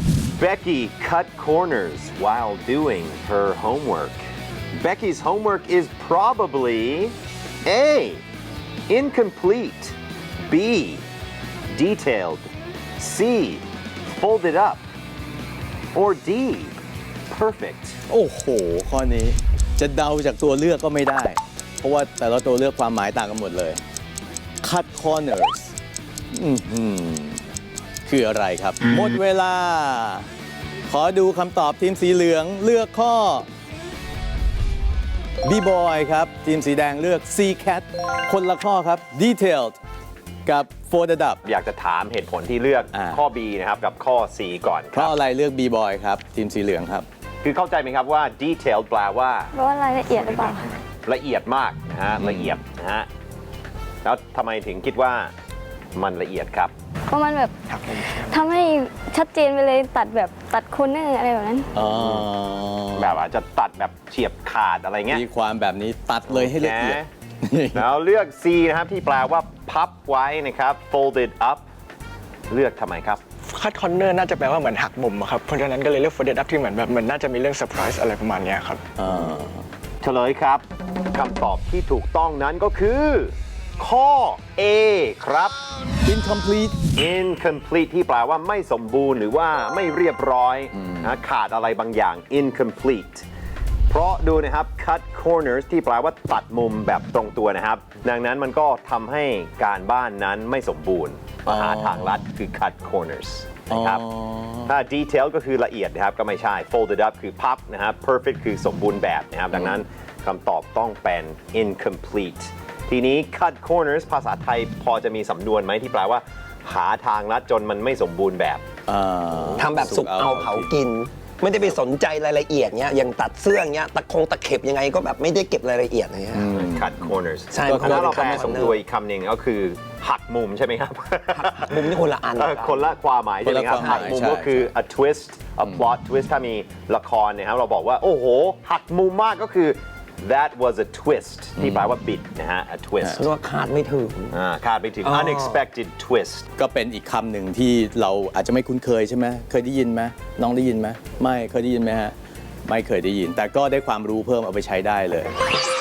Becky cut corners while doing her homework. Becky's homework is probably A. Incomplete, B. Detailed, C. Folded up, or D. Perfect. โอ้โห ข้อนี้จะเดาจากตัวเลือกก็ไม่ได้ เพราะว่าแต่ละตัวเลือกความหมายต่างกันหมดเลย cut corners คืออะไรครับ หมดเวลา ขอดูคำตอบทีมสีเหลืองเลือกข้อ B-boy ครับ ทีมสีแดงเลือก C cat คนละข้อครับ detailed กับ folded up อยากจะถามเหตุผลที่เลือกข้อ B นะครับกับข้อ C ก่อนคเพรับราะอะไรเลือก B-boy ครับ ทีมสีเหลืองครับคือเข้าใจไหมครับว่า detailed แปลว่าเพราะว่ารายละเอียดหรือเปล่าละเอียดมากนะฮะละเอียดนะฮะแล้วทำไมถึงคิดว่ามันละเอียดครับเพราะมันแบบทำให้ชัดเจนไปเลยตัดแบบตัดโคนเนอร์อะไรแบบนั้นอ๋อแบบอาจจะตัดแบบเฉียบขาดอะไรเงี้ยมีความแบบนี้ตัดเลยให้ละเอียดแล้วเลือก C นะครับที่แปลว่าพับไว้นะครับ folded up เลือกทำไมครับคัดคอนเนอร์น่าจะแปลว่าเหมือนหักมุมอะครับ เพราะฉะนั้นก็เลยเลือก folded up ที่เหมือนแบบมันน่าจะมีเรื่องเซอร์ไพรส์อะไรประมาณเนี้ยครับเฉลยครับคำตอบที่ถูกต้องนั้นก็คือ ข้อ A ครับ incomplete incomplete ที่แปลว่าไม่สมบูรณ์หรือว่าไม่เรียบร้อยนะขาดอะไรบางอย่าง incomplete เพราะดูนะครับ cut corners ที่แปลว่าตัดมุมแบบตรงตัวนะครับ ดังนั้นมันก็ทำให้การบ้านนั้นไม่สมบูรณ์หาทางลัดคือ cut corners นะครับถ้า detail ก็คือละเอียดนะครับก็ไม่ใช่ folded up คือพับนะครับ perfect คือสมบูรณ์แบบนะครับดังนั้นคำตอบต้องเป็น incomplete ทีนี้ cut corners ภาษาไทยพอจะมีสำนวนไหมที่แปลว่า หาทางลัดจนมันไม่สมบูรณ์แบบทำแบบสุกเอาเผากิน ไม่ได้ไปสนใจรายละเอียดเนี้ยอย่างตัดเสื้อเนี้ยตะเข็บยังไงก็แบบไม่ได้เก็บรายละเอียดอะไรเงี้ย cut corners ใช่ถ้าเราแปลมันสมดุลอีกคำหนึ่งก็คือหักมุมใช่ไหมครับมุมนี่คนละอันคนละความหมายใช่ไหมครับคนละความหมายหักมุมใช่ก็คือ a twist a plot twist ถ้ามีละครเนี่ยครับเราบอกว่าโอ้โหหักมุมมากก็คือ that was a twist ที่แปลว่าบิดนะฮะ a twist เพราะว่าคาดไม่ถึงคาดไปถึง unexpected twist ก็เป็นอีกคำหนึ่งที่เราอาจจะไม่คุ้นเคยใช่ไหมเคยได้ยินไหมน้องได้ยินไหมไม่เคยได้ยินไหมฮะไม่เคยได้ยิน แต่ก็ได้ความรู้เพิ่มเอาไปใช้ได้เลย